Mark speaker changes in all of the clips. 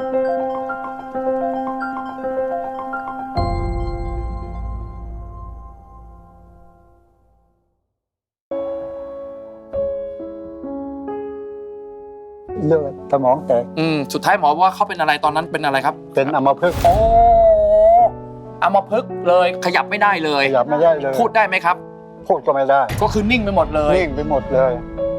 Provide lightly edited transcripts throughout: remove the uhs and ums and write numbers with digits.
Speaker 1: เลือดสมองแตก
Speaker 2: สุดท้ายหมอว่าเขาเป็นอะไรตอนนั้นเป็นอะไรครับ
Speaker 1: เป็นอัมพฤกษ์
Speaker 2: โอ้อัมพฤกษ์เลยขยับไม่ได้เลย
Speaker 1: ขยับไม่ได้เลย
Speaker 2: พูดได้ไหมครับ
Speaker 1: พูดก็ไม่ได้
Speaker 2: ก็คือนิ่งไปหมดเลย
Speaker 1: นิ่งไปหมดเลย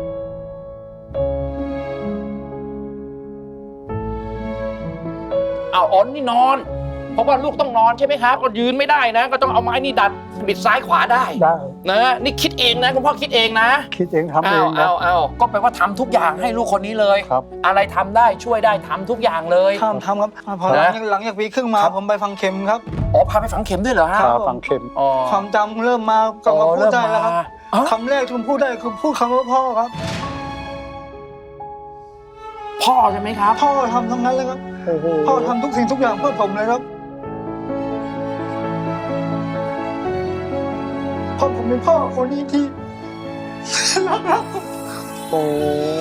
Speaker 2: อ๋อนี่นอนเพราะว่าลูกต้องนอนใช่ไหมครับก็ยืนไม่ได้นะก็ต้องเอาไม้นี่ดัดบิดซ้ายขวาได้นะนี่คิดเองนะคุณพ่อคิดเองนะ
Speaker 1: คิดเองทำเอง
Speaker 2: เอาก็แปลว่าทำทุกอย่างให้ลูกคนนี้เลย
Speaker 1: ครับ
Speaker 2: อะไรทำได้ช่วยได้ทำทุกอย่างเลย
Speaker 3: ทำครับพอหลังจากปีครึ่งมาผมไปฝังเข็มครับ
Speaker 2: พาไปฝังเข็มด้วยเหรอฮะ
Speaker 1: ฝังเข็ม
Speaker 3: ความจำเริ่มมากลับมาพูดได้แล้วครับคำแรกที่ผมพูดได้คือพูดคำว่าพ่อครับ
Speaker 2: พ่อใช่ไหมครับ
Speaker 3: พ่อทำทั้งนั้นเลยครับพ่อทำทุกสิ่งทุกอย่างเพื่อผมเลยครับพ่อผมเป็นพ่อคนนี้ที่รักครับ
Speaker 2: โอ้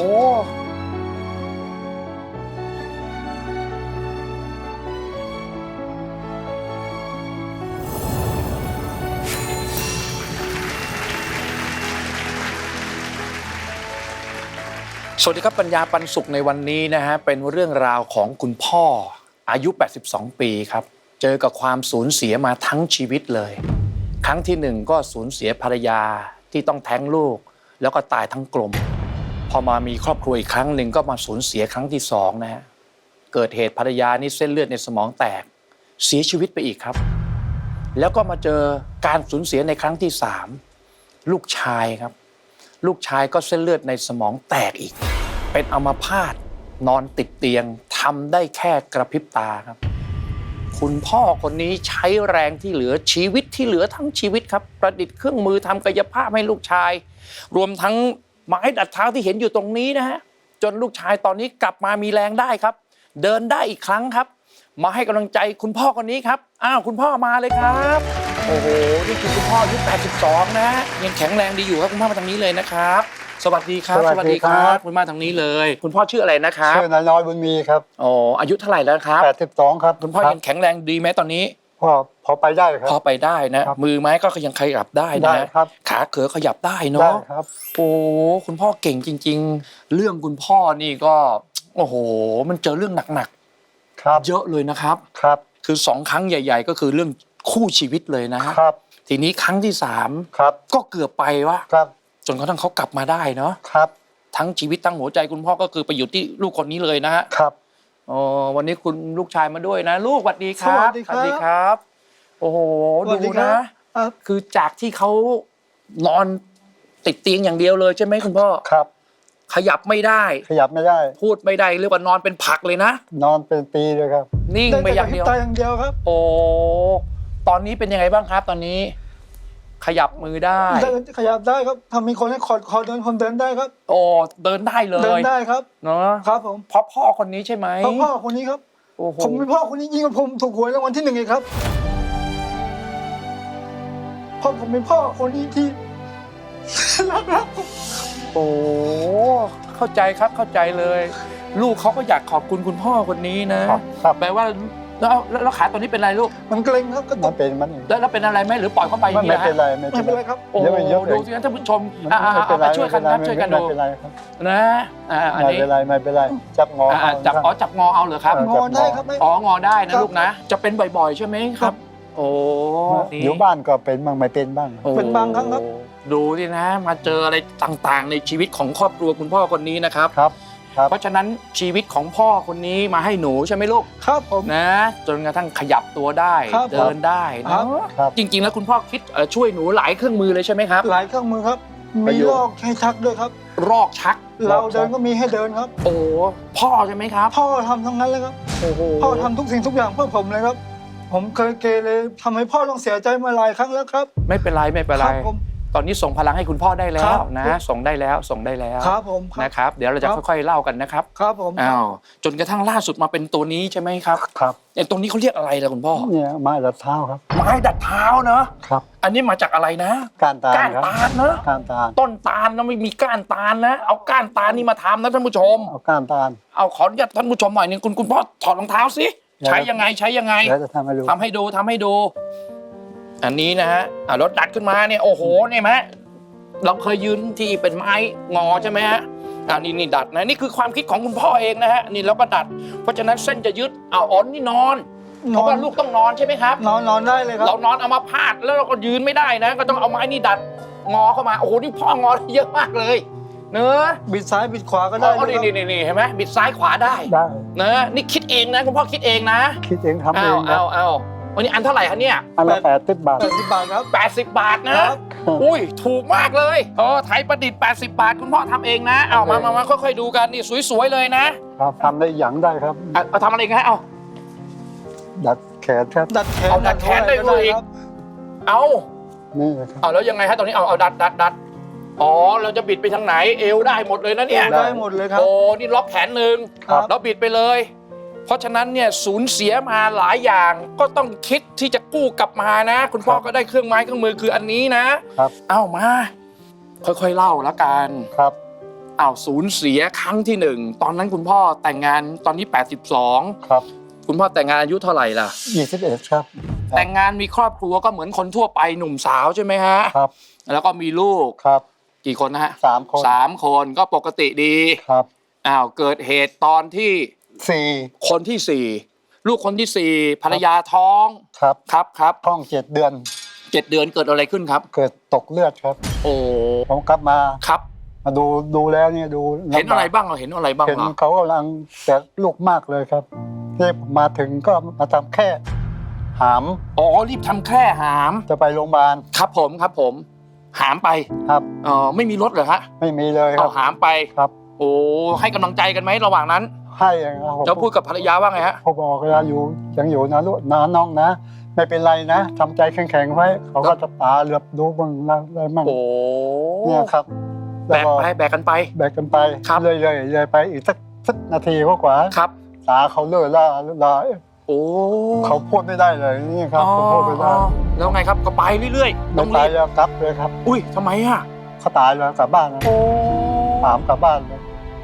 Speaker 2: สวัสดีครับปัญญาปันสุขในวันนี้นะฮะเป็นเรื่องราวของคุณพ่ออายุ82ปีครับเจอกับความสูญเสียมาทั้งชีวิตเลยครั้งที่หนึ่งก็สูญเสียภรรยาที่ต้องแท้งลูกแล้วก็ตายทั้งกลมพอมามีครอบครัวอีกครั้งหนึ่งก็มาสูญเสียครั้งที่สองนะฮะเกิดเหตุภรรยานี่เส้นเลือดในสมองแตกเสียชีวิตไปอีกครับแล้วก็มาเจอการสูญเสียในครั้งที่สามลูกชายครับลูกชายก็เส้นเลือดในสมองแตกอีกเป็นอัมพาตนอนติดเตียงทำได้แค่กระพริบตาครับคุณพ่อคนนี้ใช้แรงที่เหลือชีวิตที่เหลือทั้งชีวิตครับประดิษฐ์เครื่องมือทำกายภาพให้ลูกชายรวมทั้งไม้ดัดเท้าที่เห็นอยู่ตรงนี้นะฮะจนลูกชายตอนนี้กลับมามีแรงได้ครับเดินได้อีกครั้งครับมาให้กำลังใจคุณพ่อคนนี้ครับคุณพ่อมาเลยครับโอ้โหนี่คือคุณพ่ออายุ82นะยังแข็งแรงดีอยู่ครับคุณพ่อมาทางนี้เลยนะครับสวัสดีครับสวัสดีครับคุณมาทางนี้เลยคุณพ่อชื่ออะไรนะครับ
Speaker 1: ชื่อนายน้อยบุญมีครับ
Speaker 2: อายุเท่าไหร่แล้วครับ
Speaker 1: 82ครับ
Speaker 2: คุณพ่อยังแข็งแรงดีไหมตอนนี้
Speaker 1: พอไปได้ครับ
Speaker 2: พอไปได้นะมือไม้ก็ยังขยับได้นะขาเขอขยับได้เนาะโอ้คุณพ่อเก่งจริงๆเรื่องคุณพ่อนี่ก็โอ้โหมันเจอเรื่องหนักๆเยอะเลยนะครับคือ2ครั้งใหญ่ๆก็คือเรื่องคู่ชีวิตเลยนะครับทีนี้ครั้งที่3ก็เกือบไปว่าจนกระทั่งเขากลับมาได้เนาะทั้งชีวิตทั้งหัวใจคุณพ่อก็คือไปอยู่ที่ลูกคนนี้เลยนะฮะวันนี้คุณลูกชายมาด้วยนะลูกสวัสดีครับ
Speaker 3: สวัสดีครับ
Speaker 2: โอ้โหดูนะคือจากที่เขานอนติดเตียงอย่างเดียวเลยใช่ไหมคุณพ่อขยับไม่ได้พูดไม่ได้เรียกว่านอนเป็นผักเลยนะ
Speaker 1: นอนเป็นปีเลยครับ
Speaker 2: นิ่งไปอย่างเดียว
Speaker 3: ครับ
Speaker 2: โอ้ตอนนี้เป็นยังไงบ้างครับตอนนี้ขยับมือได้
Speaker 3: ขยับได้ครับทำมีคนให้คอเดินผมเดินได้ครับ
Speaker 2: เดินได้เลย
Speaker 3: เดินได้ครับ
Speaker 2: เนาะ
Speaker 3: ครับผม
Speaker 2: เพราะพ่อคนนี้ใช่ไหม
Speaker 3: พ่อคนนี้ครับผมเป็นพ่อคนนี้ยิ่งกว่าผมถูกหวยรางวัลที่1อีกครับเพราะผมเป็นพ่อคนนี้ที่รัก
Speaker 2: โอ้เข้าใจครับเข้าใจเลยลูกเขาก็อยากขอบคุณคุณพ่อคนนี้นะแปลว่าแล้วขาตอนนี้เป็นอะไรลูก
Speaker 3: มันเกร็งครับก็
Speaker 1: ต้องเป็นมัน
Speaker 2: แล้วเป็นอะไรไหมหรือปล่อยเข้าไปอย่างนี้
Speaker 1: ไม่เป็นไร
Speaker 3: ครับ
Speaker 2: โอ้ดูสิท่านผู้ชมไปช่วยกันครับช่วยกันดูนะ
Speaker 1: อันนี้ไม่เป็นไรจับงอ
Speaker 2: จับงอเอาเหรอครับ
Speaker 3: งอได้ครับ
Speaker 2: งอได้นะลูกนะจะเป็นบ่อยๆใช่ไหมครับโอ้
Speaker 1: อยู่บ้านก็เป็นบ้างไม่เป็นบ้าง
Speaker 3: เป็นบางครั้งครับ
Speaker 2: ดูดินะมาเจออะไรต่างๆในชีวิตของครอบครัวคุณพ่อคนนี้นะครับเพราะฉะนั้นชีวิตของพ่อคนนี้มาให้หนูใช่ไหมลูก
Speaker 3: ครับผม
Speaker 2: นะจนกระทั่งขยับตัวได้เดินได้นะจริงๆแล้วคุณพ่อคิดช่วยหนูหลายเครื่องมือเลยใช่ไหมครับ
Speaker 3: หลายเครื่องมือครับมีลอกให้ชักด้วยครับ
Speaker 2: ลอกชัก
Speaker 3: เราเดินก็มีให้เดินครับ
Speaker 2: โอ้พ่อใช่ไหมครับ
Speaker 3: พ่อทำทั้งนั้นเลยครับพ่อทำทุกสิ่งทุกอย่างเพื่อผมเลยครับผมเคยเกเรทำให้พ่อต้องเสียใจมาหลายครั้งแล้วครับ
Speaker 2: ไม่เป็นไรตอนนี้ส่งพลังให้คุณพ่อได้แล้
Speaker 3: ครั
Speaker 2: ว
Speaker 3: บ
Speaker 2: นะส่งได้แล้วส่งได้แล้ว
Speaker 3: ครับผมครับ
Speaker 2: นะครับเดี๋ยวเราจะค่อยๆเล่ากันนะครับ
Speaker 3: ครับผม
Speaker 2: อ้าวจนกระทั่งล่าสุดมาเป็นตัวนี้ใช่ไหมครับ
Speaker 1: ครับ
Speaker 2: ไอ้ตรงนี้เขาเรียกอะไรล่ะคุณพ่อ
Speaker 1: เนี่ยไม้ดัดเท้าครับ
Speaker 2: ไม้ดัดเท้าเนอะ
Speaker 1: ครับ
Speaker 2: อันนี้มาจากอะไรนะ
Speaker 1: ก้านตาล
Speaker 2: ก้าน
Speaker 1: ครับ
Speaker 2: ตาลเนอะ
Speaker 1: ก้านตาล
Speaker 2: ต้นตาลนะไม่มีก้านตาลนะเอาก้านตาลนี่มาทำนะท่านผู้ชม
Speaker 1: เอาก้านตาล
Speaker 2: เอาขออนุญาตท่านผู้ชมหน่อยหนึงคุณพ่อถอดรองเท้าสิ
Speaker 1: เดี๋ยว
Speaker 2: ใช้ยังไงใช้ยังไง
Speaker 1: แล้วจะทำให้ดู
Speaker 2: ทำให้ดูทำให้ดู อันนี้นะฮะรถดัดขึ้นมาเนี่ยโอ้โหเนี่ยไหมเราเคยยืนที่เป็นไม้งอใช่ไหมฮะนี่ดัดนะนี่คือความคิดของคุณพ่อเองนะฮะนี่เราก็ดัด เพราะฉะนั้นเส้นจะยึดอ๋อนี่นอนเพราะว่าลูกต้องนอนใช่ไหมครับ
Speaker 3: นอนได้เลยครับ
Speaker 2: เรานอนเอามาพาดแล้วเราก็ยืนไม่ได้นะ ก็ต้องเอาไม้นี่ดัดงอเข้ามาโอ้โหนี่พ่องอเยอะมากเลยเนอะ
Speaker 3: บิดซ้ายบิดขวาก็ได้
Speaker 2: อ๋อนี่เห็นไหมบิดซ้ายขวาได้
Speaker 1: ได้
Speaker 2: นะนี่คิดเองนะคุณพ่อคิดเองนะ
Speaker 1: คิดเองทำเองครับ
Speaker 2: เอาวันนี้อันเท่าไหร่คะเนี่ย
Speaker 1: อันละ80 บาท
Speaker 3: 80 บาทครับ
Speaker 2: 80 บาทนะครับ อุ้ยถูกมากเลยไทยประดิษฐ์80 บาทคุณพ่อทำเองนะเอามาค่อยๆดูกันนี่สวยๆเลยนะครับ
Speaker 1: ทำได้อย่างได้ครับ
Speaker 2: เอาทำอะไรกันฮะเอา
Speaker 1: ดัดแขนครับ
Speaker 3: ดัดแขน
Speaker 2: เอาดัดแขนได้ด้วยอีก
Speaker 3: ครับ
Speaker 2: เอา
Speaker 1: นี่นะครับ
Speaker 2: เอาแล้วยังไงฮะตอนนี้เอาดัดอ๋อเราจะบิดไปทางไหนเอวได้หมดเลยนะเนี่ย
Speaker 3: ได้หมดเลยครับ
Speaker 2: โอ้นี่ล็อกแขนหนึ่ง
Speaker 3: ครับ
Speaker 2: แล้วบิดไปเลย เพราะฉะนั้นเนี่ยสูญเสียมาหลายอย่างก็ต้องคิดที่จะกู้กลับมานะ คุณพ่อก็ได้เครื่องไม้เครื่องมือคืออันนี้นะครับ เอามา ค่อยๆเล่าละกัน
Speaker 1: ครับ
Speaker 2: เอาสูญเสียครั้งที่หนึ่งตอนนั้นคุณพ่อแต่งงานตอนนี้82
Speaker 1: ครับ
Speaker 2: คุณพ่อแต่งงานอายุเท่าไหร่ล่ะ
Speaker 1: 21ครับ
Speaker 2: แต่งงานมีครอบครัวก็เหมือนคนทั่วไปหนุ่มสาวใช่ไหมฮะ
Speaker 1: ครับ
Speaker 2: แล้วก็มีลูก
Speaker 1: ครับ
Speaker 2: กี่คนนะฮะ
Speaker 1: 3 คน
Speaker 2: 3 คนก็ปกติดี
Speaker 1: ครับ
Speaker 2: เกิดเหตุตอนที่
Speaker 1: 4
Speaker 2: คนที่สี่ลูกคนที่สี่ภรรยาท้อง
Speaker 1: ครับ
Speaker 2: ครับ
Speaker 1: ท้อง7 เดือน
Speaker 2: 7 เดือนเกิดอะไรขึ้นครับ
Speaker 1: เกิดตกเลือดครับ
Speaker 2: โอ้
Speaker 1: ผมกลับมา
Speaker 2: ครับ
Speaker 1: มาดูแล้วเนี่ยดูลำบาก
Speaker 2: เห็นอะไรบ้างเห็นอะไรบ้าง
Speaker 1: เห็น
Speaker 2: เหรอ
Speaker 1: เขากำลังแต่ลูกมากเลยครับที่ผมมาถึงก็มาทำแค่หาม
Speaker 2: อ๋อรีบทำแค่หาม
Speaker 1: จะไปโรงพยาบาล
Speaker 2: ครับผมหามไป
Speaker 1: ครับ
Speaker 2: ไม่มีรถเหรอฮะ
Speaker 1: ไม่มีเลยค
Speaker 2: เอา
Speaker 1: รับ
Speaker 2: หามไป
Speaker 1: ครับ
Speaker 2: โอ้ให้กำลังใจกันไหมระหว่างนั้น
Speaker 1: ให้ครับผม
Speaker 2: แล้วพูดกับภรรยาว่าไงฮะ
Speaker 1: ผมบอกเวลาอยู่ยังอยู่นะลูกนะน้องนะ ไม่เป็นไรนะทำใจแข็งๆไว้ เขาก็จะตาเหลือบดูบ้างอะไรบ้าง
Speaker 2: โอ้
Speaker 1: เนี่ยครับ
Speaker 2: แบกไปแบกกันไป
Speaker 1: แบกกันไป
Speaker 2: ครับ
Speaker 1: เลยไปอีกสักนาทีกว่า
Speaker 2: ครับ
Speaker 1: ตาเขาเลื่อยล่า
Speaker 2: โอ้
Speaker 1: เขาพูดไม่ได้เลยนี่ครับเขาพูดไม่ได้
Speaker 2: แล้วไงครับก็ไปเรื่อยๆ
Speaker 1: ไม่
Speaker 2: ต้อง
Speaker 1: ตา
Speaker 2: รี
Speaker 1: ย
Speaker 2: บ
Speaker 1: แล้วกลับเลยครับ
Speaker 2: อุ้ยทำไมอ่ะ
Speaker 1: เขาตายแล้วกลับบ้านแล้ว
Speaker 2: โอ้
Speaker 1: ถามกลับบ้านเลย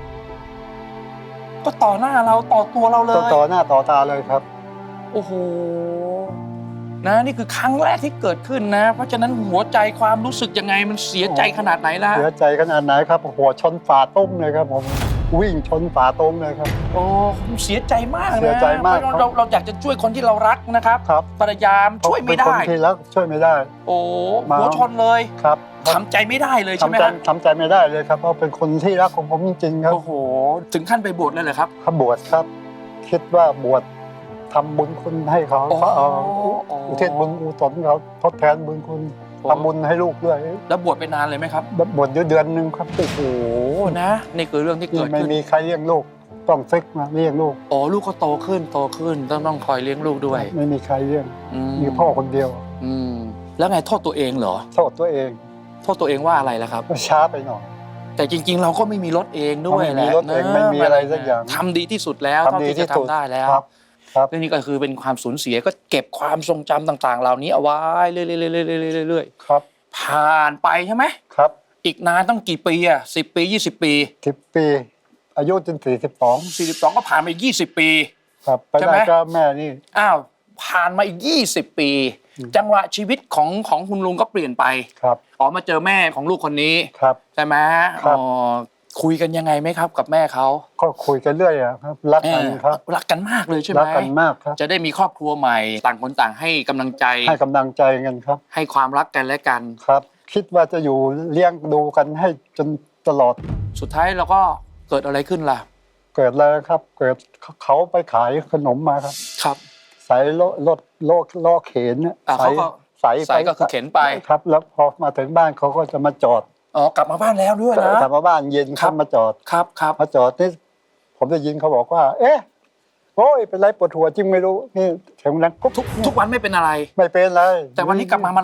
Speaker 2: ก็ต่อหน้าเราต่อตัวเราเลย
Speaker 1: ต่อหน้าต่อตาเลยครับ
Speaker 2: โอ้โหนะนี่คือครั้งแรกที่เกิดขึ้นนะ เพราะฉะนั้นหัวใจความรู้สึกยังไงมันเสียใจขนาดไหนล่ะ
Speaker 1: เสียใจขนาดไหนครับหัวชนฝาต้มเลยครับผมวิ่งชนฝาต้มเลยครับ
Speaker 2: โอ้ผมเสียใจมากนะ
Speaker 1: เสียใจมาก
Speaker 2: เพราะเราอยากจะช่วยคนที่เรารักนะครับ
Speaker 1: ครับ
Speaker 2: พยายามช่วยไม่
Speaker 1: เป็น
Speaker 2: ได้
Speaker 1: คนที่รักช่วยไม่ได้
Speaker 2: โอ้
Speaker 1: มา
Speaker 2: หัวชนเลย
Speaker 1: ครับ
Speaker 2: ทำใจไม่ได้เลยใช่ไหม
Speaker 1: ทำใจ
Speaker 2: ครับ
Speaker 1: ทำใจไม่ได้เลยครับเพราะเป็นคนที่รักของผมจริงๆครับ
Speaker 2: โอ้โหถึงขั้นไปบวชเลยเหรอครับ
Speaker 1: เขาบวชครับ คิดว่าบวชทำบุญคุณให้เขา
Speaker 2: โอ้
Speaker 1: เขาเอา
Speaker 2: โอ้
Speaker 1: อุทิศบุญกุศลเขาทดแทนบุญคุณทำบุญให้ลูกด้วย
Speaker 2: แล้วบวชไปนานเลยไหมครับ
Speaker 1: บวชอยู่เดือนหนึงครับ
Speaker 2: โอ้โหนะนี่คือเรื่องที่
Speaker 1: นี่
Speaker 2: เกิด
Speaker 1: ไม่
Speaker 2: ขึ้น
Speaker 1: มีใครเลี้ยงลูกต้องซึกมาเลี้ยงลูก
Speaker 2: อ๋อลูกก็โตขึ้นต้องคอยเลี้ยงลูกด้วย
Speaker 1: ไม่มีใครเลี้ยง
Speaker 2: อื
Speaker 1: มีพ่อคนเดียว
Speaker 2: อืมแล้วไงโทษตัวเองเหรอ
Speaker 1: โทษตัวเอง
Speaker 2: โทษตัวเองว่าอะไรล่ะครับ
Speaker 1: ก็ช้าไปหน่อย
Speaker 2: แต่จริง ๆ เราก็ไม่มีรถเองด้วย
Speaker 1: ไม่มี
Speaker 2: แหละ
Speaker 1: รถเอง
Speaker 2: นะ
Speaker 1: ไม่มีอะไรสักอย่าง
Speaker 2: ทำดีที่สุดแล้ว
Speaker 1: ทำ
Speaker 2: เท่า
Speaker 1: ดี
Speaker 2: ที่
Speaker 1: ที่
Speaker 2: จะ
Speaker 1: สุด
Speaker 2: ทำได้แล้ว
Speaker 1: ครับครับ
Speaker 2: เรื่องนี้ก็คือเป็นความสูญเสียก็เก็บความทรงจำต่าง ๆ เหล่านี้เอาไว้เรื่อย
Speaker 1: ครับ
Speaker 2: ๆผ่านไปใช่ไหม
Speaker 1: ครับ
Speaker 2: อีกนานต้องกี่ปีอ่ะ10 ปี 20 ปี
Speaker 1: 10 ปี อายุจน42
Speaker 2: 42ก็ผ่านไป20 ปี
Speaker 1: ครับไป
Speaker 2: ใช่ไหม
Speaker 1: ได้ก็แม่นี่
Speaker 2: อ้าวผ่านมาอีก20 ปี จังหวะชีวิตของคุณลุงก็เปลี่ยนไป
Speaker 1: ครับ
Speaker 2: อ๋อมาเจอแม่ของลูกคนนี้
Speaker 1: ครับ
Speaker 2: ใช่ไหม
Speaker 1: ครับ
Speaker 2: คุยกันยังไงไหมครับกับแม่เขา
Speaker 1: ก็คุยกันเรื่อยอะครับรักกันครับ
Speaker 2: รักกันมากเลยใช่ไหม
Speaker 1: รักกันมากครับ
Speaker 2: จะได้มีครอบครัวใหม่ ต่างคนต่างให้กำลังใจ
Speaker 1: ให้กำลังใจกันครับ
Speaker 2: ให้ความรักกันและกัน
Speaker 1: ครับ คิดว่าจะอยู่เลี้ยงดูกันให้จนตลอด
Speaker 2: สุดท้ายเราก็เกิดอะไรขึ้นล่ะ
Speaker 1: เกิดอะไรครับ เกิดเขาไปขายขนมมาครับ
Speaker 2: ครับ
Speaker 1: ใส่รถล้อเข็นเนี่ย
Speaker 2: เขาก็
Speaker 1: ใส่
Speaker 2: ใส่ก็คือเข็นไป
Speaker 1: ครับ แล้วพอมาถึงบ้านเขาก็จะมาจอด
Speaker 2: อ๋อกลับมาบ้านแล้วด้วยนะ
Speaker 1: กลับมาบ้านเย็น
Speaker 2: ครั
Speaker 1: เขา
Speaker 2: บ
Speaker 1: มาจอด
Speaker 2: ครับ
Speaker 1: มาจอดนี่ผมได้ยินเขาบอกว่า เอ๊ะโอ้ยเป็นไรปวดหัวจริงไม่รู้นี่เสียงดังกุ๊บ
Speaker 2: ทุกวันไม่เป็นอะไร
Speaker 1: ไม่เป็นไร
Speaker 2: แต่วันนี้กลับมาร้อง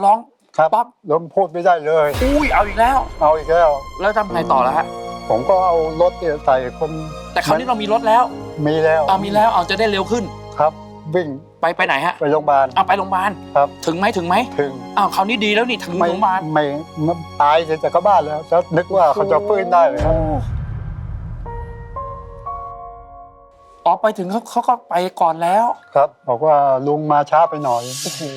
Speaker 1: ครับ
Speaker 2: ปั๊บ
Speaker 1: ล้มพูดไม่ได้เลย
Speaker 2: อุ้ยเอาอีกแล้ว
Speaker 1: เอาอีกแล้ว
Speaker 2: แล้วทำไงต่อแล้วฮะ
Speaker 1: ผมก็เอารถเนี่ยใส่คน
Speaker 2: แต่คราวนี้เรามีรถแล้ว
Speaker 1: มีแล้ว
Speaker 2: เอามีแล้วเอาจะได้เร็วขึ้น
Speaker 1: ครับวิ่ง
Speaker 2: ไปไหนฮะ
Speaker 1: ไปโรงพยาบาล
Speaker 2: เอาไปโรงพยาบาล
Speaker 1: ครับ
Speaker 2: ถึงไหม
Speaker 1: ถึง
Speaker 2: อ้าวคราวนี้ดีแล้วนี่ถึง
Speaker 1: ไม่
Speaker 2: โรงพยาบาล
Speaker 1: ไม่ตายเสร็จจากก็บ้านแล้วแล้วนึกว่าเขาจะฟื้นได้เลยครับ
Speaker 2: อ๋อไปถึงเขาก็ไปก่อนแล้ว
Speaker 1: ครับ บอกว่าลุงมาช้าไปหน่อย
Speaker 2: โอ้โห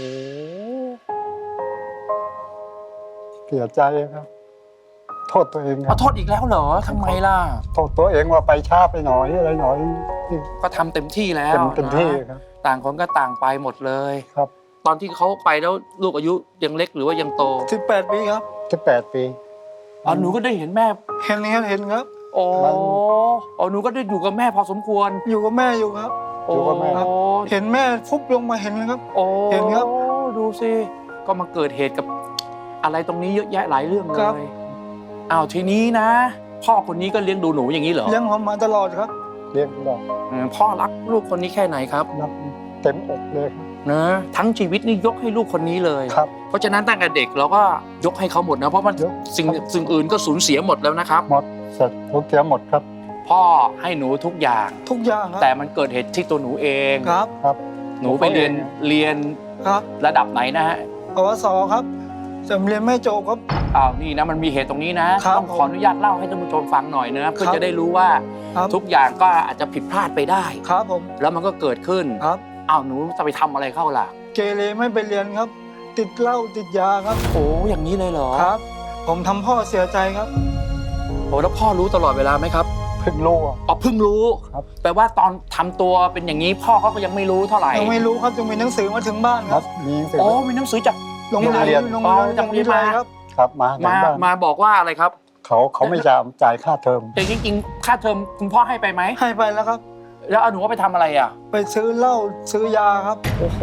Speaker 1: เสียใจครับ โทษตัวเองค
Speaker 2: ข
Speaker 1: รั
Speaker 2: อบ โทษอีกแล้วเหรอทำไมล่ะ
Speaker 1: โทษตัวเองว่าไปช้าไปหน่อยอะไรหน่อย
Speaker 2: ก็ทำเต็มที่แล้ว
Speaker 1: เต็มที่
Speaker 2: นะครับ ต่างคนก็ต่างไปหมดเลย
Speaker 1: ครับ
Speaker 2: ตอนที่เขาไปแล้วลูกอายุยังเล็กหรือว่ายังโต
Speaker 3: 18 ปีครับ
Speaker 1: 18 ปี
Speaker 2: อ๋อหนูก็ได้เห็นแม่
Speaker 3: เห็นครับเห็นครับ
Speaker 2: โอ้
Speaker 1: มัน
Speaker 2: อ๋อหนูก็ได้อยู่กับแม่พอสมควร
Speaker 3: อยู่กับแม่อยู่ครับ
Speaker 1: อยู่กับแม่
Speaker 3: ครับ เห็นแม่ฟุบลงมาเห็นเลยครับ
Speaker 2: โอ้
Speaker 3: เห็นครับ
Speaker 2: ดูสิก็มาเกิดเหตุกับอะไรตรงนี้เยอะแยะหลายเรื่องเล
Speaker 3: ครับ
Speaker 2: ยอ้าวทีนี้นะ พ่อคนนี้ก็เลี้ยงดูหนูอย่างนี้เหรอ
Speaker 3: เลี้ยงผมมาตลอดครับ
Speaker 1: เรียกได้
Speaker 2: พ่อรักลูกคนนี้แค่ไหนครับ
Speaker 1: รับเต็มอกเลยครับ
Speaker 2: นะทั้งชีวิตนี่ยกให้ลูกคนนี้เลย
Speaker 1: ครับ
Speaker 2: เพราะฉะนั้นตั้งแต่เด็กเราก็ยกให้เขาหมดนะเพราะมัน
Speaker 1: ยก
Speaker 2: สิ่งอื่นก็สูญเสียหมดแล้วนะครับ
Speaker 1: หมดเสร็จทุกเสียหมดครับ
Speaker 2: พ่อให้หนูทุกอย่าง
Speaker 3: ทุกอย่างครับ
Speaker 2: แต่มันเกิดเหตุที่ตัวหนูเอง
Speaker 3: ครับ
Speaker 1: ครับ
Speaker 2: หนูไปเรียน
Speaker 3: ครับ
Speaker 2: ระดับไหนนะฮะ
Speaker 3: ปวสครับแต่เรียนไม่จบครับ
Speaker 2: อ้าวนี่นะมันมีเหตุตรงนี้นะครับ ต้องขออนุญาตเล่าให้ท่านผู้ชมฟังหน่อยนะเพื่อ
Speaker 3: ครับ
Speaker 2: จะได้รู้ว่า
Speaker 3: ครับ
Speaker 2: ทุกอย่างก็อาจจะผิดพลาดไปได้
Speaker 3: ครับผม
Speaker 2: แล้วมันก็เกิดขึ้น
Speaker 3: ครับ
Speaker 2: อ้าวหนูจะไปทำอะไรเข้าล่ะ
Speaker 3: เกเรไม่ไปเรียนครับ ติดเหล้าติดยาครับ
Speaker 2: โอ้อย่างนี้เลยเหรอ
Speaker 3: ครับ ผมทำพ่อเสียใจครับ
Speaker 2: โอ้แล้วพ่อรู้ตลอดเวลาไหมครับ
Speaker 1: เพิ่งรู้อะ
Speaker 2: อ๋อเพิ่งรู้
Speaker 1: ครับ
Speaker 2: แปลว่าตอนทำตัวเป็นอย่างนี้พ่อเขาก็ยังไม่รู้เท่าไหร่
Speaker 3: ยังไม่รู้ครับยังมีหนังสือมาถึงบ้าน
Speaker 1: ค
Speaker 3: ค
Speaker 1: รั
Speaker 3: รั
Speaker 1: บบ มีหนังสือ
Speaker 2: โอ้มีหนังสือจาก
Speaker 3: โรงเรี
Speaker 1: โรงเรี
Speaker 3: ย
Speaker 1: ย
Speaker 3: น
Speaker 1: น
Speaker 3: โรงเรียน
Speaker 2: อ๋อจากโรงเรียนมา
Speaker 3: ครับ
Speaker 1: ครับมาถึงบ้าน
Speaker 2: มาบอกว่าอะไรครับ
Speaker 1: เขาไม่จ่ายค่าเทอม
Speaker 2: แต่จริงๆค่าเทอมคุณพ่อให้ไปไหม
Speaker 3: ให้ไปแล้วครับ
Speaker 2: แล้วเอาหนูว่าไปทำอะไรอ่ะ
Speaker 3: ไปซื้อเหล้าซื้อยาครับ
Speaker 2: โอ้โห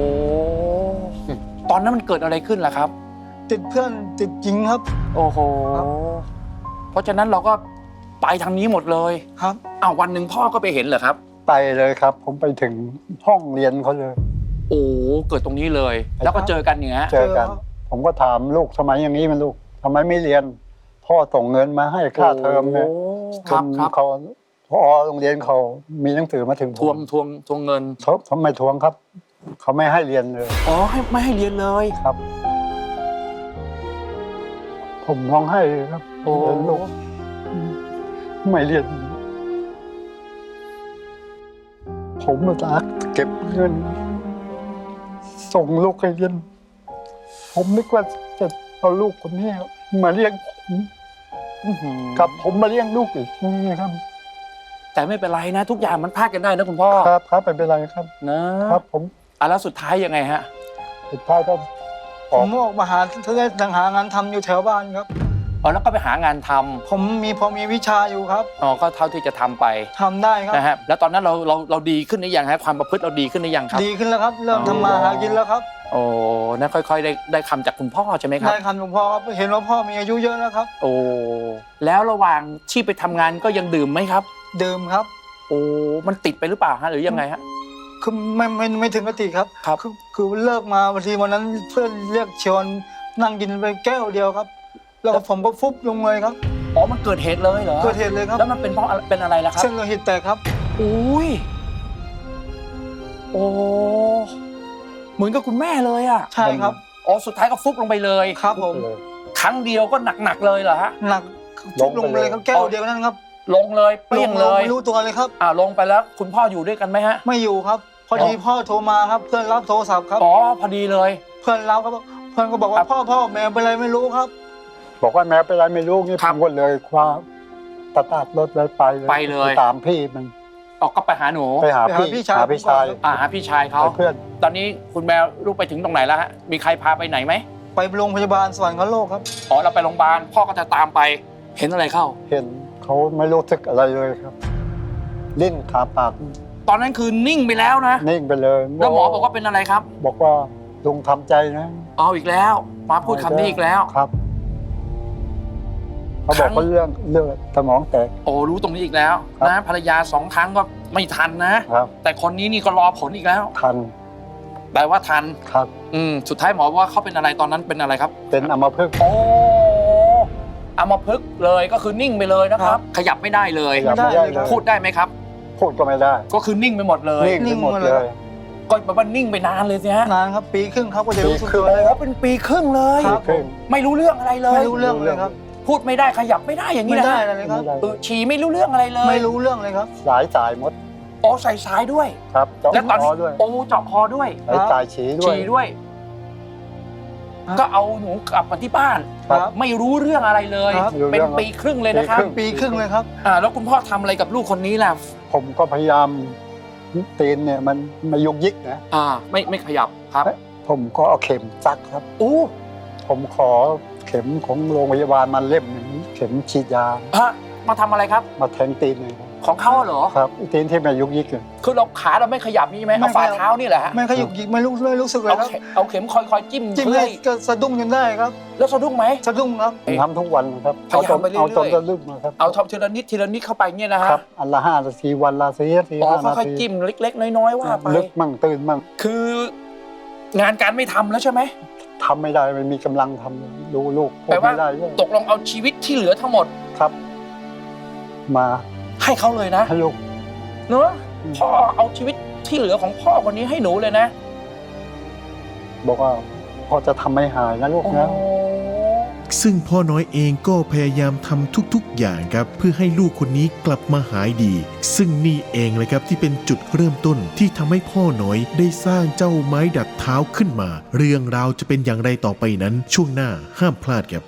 Speaker 2: ตอนนั้นมันเกิดอะไรขึ้นล่ะครับ
Speaker 3: ติดเพื่อนติดหญิงครับ
Speaker 2: โอ้โห
Speaker 3: ครับ
Speaker 2: เพราะฉะนั้นเราก็ไปทางนี้หมดเลย
Speaker 3: ครับ
Speaker 2: อ้าววันหนึ่งพ่อก็ไปเห็นเหรอครับ
Speaker 1: ไปเลยครับ ผมไปถึงห้องเรียนเขาเลย
Speaker 2: โอ้เกิดตรงนี้เลย แล้วก็เจอกันอย่างเงี้ย
Speaker 1: เจอกัน ผมก็ถามลูกทำไมอย่างนี้มันลูกทำไมไม่เรียน พ่อส่งเงินมาให้ค่าเทอมเนี่ย
Speaker 2: โอ้
Speaker 1: จ
Speaker 2: ครับ
Speaker 1: น
Speaker 2: ครับ
Speaker 1: เขาพอโรงเรียนเขามีหนังสือมาถึงผม
Speaker 2: ทวงเงิน
Speaker 1: เขาทำไมทวงครับ เขาไม่ให้เรียนเลย
Speaker 2: อ๋อไม่ให้เรียนเลย
Speaker 1: ครับ ผมร้องไห้ครับ
Speaker 2: โอ้
Speaker 1: เห็นลูกไม่เรียน ผมมาตากเก็บเงิน ส่งลูกให้เรียน ผมนึกว่าจะเอาลูกคนนี้มาเลี้ยงผม
Speaker 2: อื้อหือ
Speaker 1: กับผมมาเลี้ยงลูกอีกนี่ครับ
Speaker 2: แต่ไม่เป็นไรนะ ทุกอย่างมันพลาดกันได้นะคุณพ่อ
Speaker 1: ครับครับไม่เป็นไรครับ
Speaker 2: นะครับ
Speaker 1: ผม
Speaker 2: แล้วสุดท้ายยังไงฮะ
Speaker 1: สุดท้ายก็
Speaker 3: ผมออกมาหาต่างหางานทำอยู่แถวบ้านครับ
Speaker 2: อ๋อแล้วก็ไปหางานทำ
Speaker 3: ผมพอมีวิชาอยู่ครับ
Speaker 2: อ๋อก็เท่าที่จะทำไป
Speaker 3: ทำได้ครับ
Speaker 2: นะฮะแล้วตอนนั้นเราดีขึ้นหรือยังฮะความประพฤติเราดีขึ้นหรือยังครับ
Speaker 3: ดีขึ้นแล้วครับ เริ่มทำมาหากินแล้วครับ
Speaker 2: โอ้นั่นค่อยๆได้คำจากคุณพ่อใช่ไหมครับ
Speaker 3: ได้คำหลวงพ่อครับเห็นว่าพ่อมีอายุเยอะแล้วครับ
Speaker 2: โอ้แล้วระหว่างที่ไปทำงานก็ยังดื่มไหมครับ
Speaker 3: ดื่มครับ
Speaker 2: โอ้มันติดไปหรือเปล่าฮะหรือยังไงฮะ
Speaker 3: คือไม่ถึงกับติครับ
Speaker 2: ครับ
Speaker 3: คือเลิกมาบางทีวันนั้นเพื่อนเรียกชวนนั่งกินไปแก้วเดียวครับ แล้วก็ผมก็ฟุบลงเลยครับ
Speaker 2: อ๋อมันเกิดเหตุเลยเหรอ
Speaker 3: เกิดเหตุเลยครับ
Speaker 2: แล้วมันเป็นเพราะเป็นอะไรล่ะครับ
Speaker 3: เส้นโลหิตแตกครับ
Speaker 2: อุ้ยโอ้เหมือนกับคุณแม่เลยอ่ะ
Speaker 3: ใช่ครับ
Speaker 2: อ๋อสุดท้ายก็ฟุบลงไปเลย
Speaker 3: ครับผม
Speaker 1: เลย
Speaker 2: ครั้งเดียวก็หนักๆเลยเหรอฮะ
Speaker 3: หนักฟุบลงไปเลยครับแก้วเดียวนั่นครับ
Speaker 2: ลงเลยเปรี้ยงเลย
Speaker 3: ไม่รู้ตัวเลยครับ
Speaker 2: ลงไปแล้วคุณพ่ออยู่ด้วยกันไหมฮะ
Speaker 3: ไม่อยู่ครับ พอดีพ่อโทรมาครับ เพื่อนรับโทรศัพท์ครับ
Speaker 2: อ๋อพอดีเลย
Speaker 3: เพื่อนรับครับเพื่อนก็บอกว่าพ่อแม่เป็นไรไม่รู้ครับ
Speaker 1: บอกว่าแม้เป็นไรไม่รู้นี่
Speaker 2: ค
Speaker 1: ผ
Speaker 2: รับ
Speaker 1: มก็เลยคว้าตะตาดรถเลยไปเลย ตามพี่มัน
Speaker 2: ออกก็ไปหาหนู
Speaker 1: ไปหา
Speaker 3: ไปหา
Speaker 1: พี่
Speaker 3: พี่ชาย
Speaker 1: หาพี่ชาย
Speaker 3: ผมก่อน
Speaker 2: หาพี่ชายเขา
Speaker 1: ไปเพื่อน
Speaker 2: ตอนนี้คุณแมวลูกไปถึงตรงไหนแล้วฮะมีใครพาไปไหนไหม
Speaker 3: ไปโรงพยาบาลสวรรคโลกครับ
Speaker 2: อ๋อเราไปโรงพยาบาลพ่อก็จะตามไปเห็นอะไรเข้า
Speaker 1: เห็นเขาไม่รู้สึกอะไรเลยครับ ลิ้นขาปาก
Speaker 2: ตอนนั้นคือนิ่งไปแล้วนะ
Speaker 1: นิ่งไปเลย
Speaker 2: แล้วหมอบอกว่าเป็นอะไรครับ
Speaker 1: บอกว่าลุงทำใจนะ
Speaker 2: เอาอีกแล้วมาพูดคำนี้อีกแล้ว
Speaker 1: ครับเขาบอกว่าเรื่องเลือดสมองแตก
Speaker 2: โอ้รู้ตรงนี้อีกแล้ว
Speaker 1: ครับ
Speaker 2: นะภรรยา2 ครั้งก็ไม่ทันนะ
Speaker 1: ครับ
Speaker 2: แต่คนนี้นี่ก็รอผลอีกแล้ว
Speaker 1: ทัน
Speaker 2: แปลว่าทัน
Speaker 1: ครับ
Speaker 2: สุดท้ายหมอว่าเขาเป็นอะไรตอนนั้นเป็นอะไรครับ
Speaker 1: เป็นอัมพฤกษ์
Speaker 2: โอ้อัมพฤกษ์เลยก็คือนิ่งไปเลยนะครับ ขยับไม่ได้เลย
Speaker 1: ขยับไม่ได้เลย
Speaker 2: พูดได้ไหมครับ
Speaker 1: พูดก็ไม่ได้
Speaker 2: ก็คือนิ่งไปหมดเลย
Speaker 1: นิ่งไปหมดเลย
Speaker 2: ก็แปลว่านิ่งไปนานเลยสิฮะ
Speaker 3: นานครับปีครึ่งครับก็จะรู้สึก
Speaker 1: ปีครึ่ง
Speaker 3: ตัวเลยครับ
Speaker 2: เป็นปีครึ่งเลย
Speaker 3: ครับ
Speaker 1: ครึ่ง
Speaker 2: ไม่รู้เรื่องอะไรเลย
Speaker 3: ไม่รู้เรื่องเลยครับ
Speaker 2: พูดไม่ได้ขยับไม่ได้อย่างนี้
Speaker 3: ไม่
Speaker 2: นะ
Speaker 3: ได้
Speaker 2: ฮะ
Speaker 3: เลยครับ
Speaker 1: ไม่ได้
Speaker 2: ฉี่ไม่รู้เรื่องอะไรเลย
Speaker 3: ไม่รู้เรื่องเลยครับ
Speaker 1: สายหมด
Speaker 2: โอ้ใส่สายด้วย
Speaker 1: ครับเจาะ
Speaker 2: แล้วตอน
Speaker 1: คอด้วย
Speaker 2: โอ้เจาะคอด้วย
Speaker 1: สายฉี่ด้วย
Speaker 2: ฉี่ด้วย
Speaker 3: ครับ
Speaker 2: ก็เอาหนูกลับมาที่บ้าน
Speaker 1: ครับ
Speaker 2: ไม่รู้เรื่องอะไรเลย
Speaker 3: ครับ
Speaker 2: เป็นปีครึ่งเลยนะครับ
Speaker 1: ปีครึ่ง
Speaker 3: ปีครึ่งเลยครับ
Speaker 2: แล้วคุณพ่อทำอะไรกับลูกคนนี้ล่ะ
Speaker 1: ผมก็พยายามตีนเนี่ยมันไม่ยุกยิกนะ
Speaker 2: ไม่ขยับครับ
Speaker 1: ผมก็เอาเข็มซักครับ
Speaker 2: อู้
Speaker 1: ผมขอเข็มของโรงพยาบาลมาเล่มหนึ่งเข็มฉีดยา
Speaker 2: ฮะมาทำอะไรครับ
Speaker 1: มาแทงตีนเลยครับ
Speaker 2: ของเขาเหรอ
Speaker 1: ครับตีนที่ไม่ยุกยิกเลย
Speaker 2: คือเราขาเราไม่ขยับนี่ใช่ไหม
Speaker 3: ไม่
Speaker 2: เอาฝ่า
Speaker 3: ขยับ
Speaker 2: เท้านี่แหละฮะ
Speaker 3: ไม่ขยุกหยิกไม่รู้สึกเลย
Speaker 2: เอา
Speaker 3: ครับ
Speaker 2: เอาเข็มคอยจิ้ม
Speaker 3: จิ้ม
Speaker 2: เพื่อ
Speaker 3: ให้
Speaker 2: ให้
Speaker 3: ก็สะดุ้งจนได้ครับ
Speaker 2: แล้วสะดุ้งไหม
Speaker 3: สะดุ้งครับ
Speaker 1: ผมทำทุกวันนะครับ
Speaker 2: พยายามไปเรื่อยๆ
Speaker 1: เอาจนจะลึกนะครับ
Speaker 2: เอาทำทีละนิดทีละนิดเข้าไปเนี่ยนะฮะ
Speaker 1: ครับอันละ5 นาทีวันละ4 นาที
Speaker 2: อ๋อ
Speaker 1: 5 นา
Speaker 2: ค่อย
Speaker 1: ที
Speaker 2: ๆจิ้มเล็กๆน้อยๆว่าไป
Speaker 1: ลึกมั่งตื่นมั่ง
Speaker 2: คืองานการไม่ทำแล้วใช่ไหม
Speaker 1: ทำไม่ได้ไม่มีกำลังทำดูลูกพูด
Speaker 2: แปลว่า
Speaker 1: ไม่ได้ด้วย
Speaker 2: ตกลงเอาชีวิตที่เหลือทั้งหมด
Speaker 1: ครับ มา
Speaker 2: ให้เขาเลยนะ
Speaker 1: ให้ลูก
Speaker 2: เนอะพ่อเอาชีวิตที่เหลือของพ่อคนนี้ให้หนูเลยนะ
Speaker 1: บอกว่าพอจะทำให้หายนะลูกนะ
Speaker 4: ซึ่งพ่อน้อยเองก็พยายามทำทุกๆอย่างครับเพื่อให้ลูกคนนี้กลับมาหายดี ซึ่งนี่เองเลยครับที่เป็นจุดเริ่มต้นที่ทำให้พ่อน้อยได้สร้างเจ้าไม้ดัดเท้าขึ้นมา เรื่องราวจะเป็นอย่างไรต่อไปนั้นช่วงหน้าห้ามพลาดครับ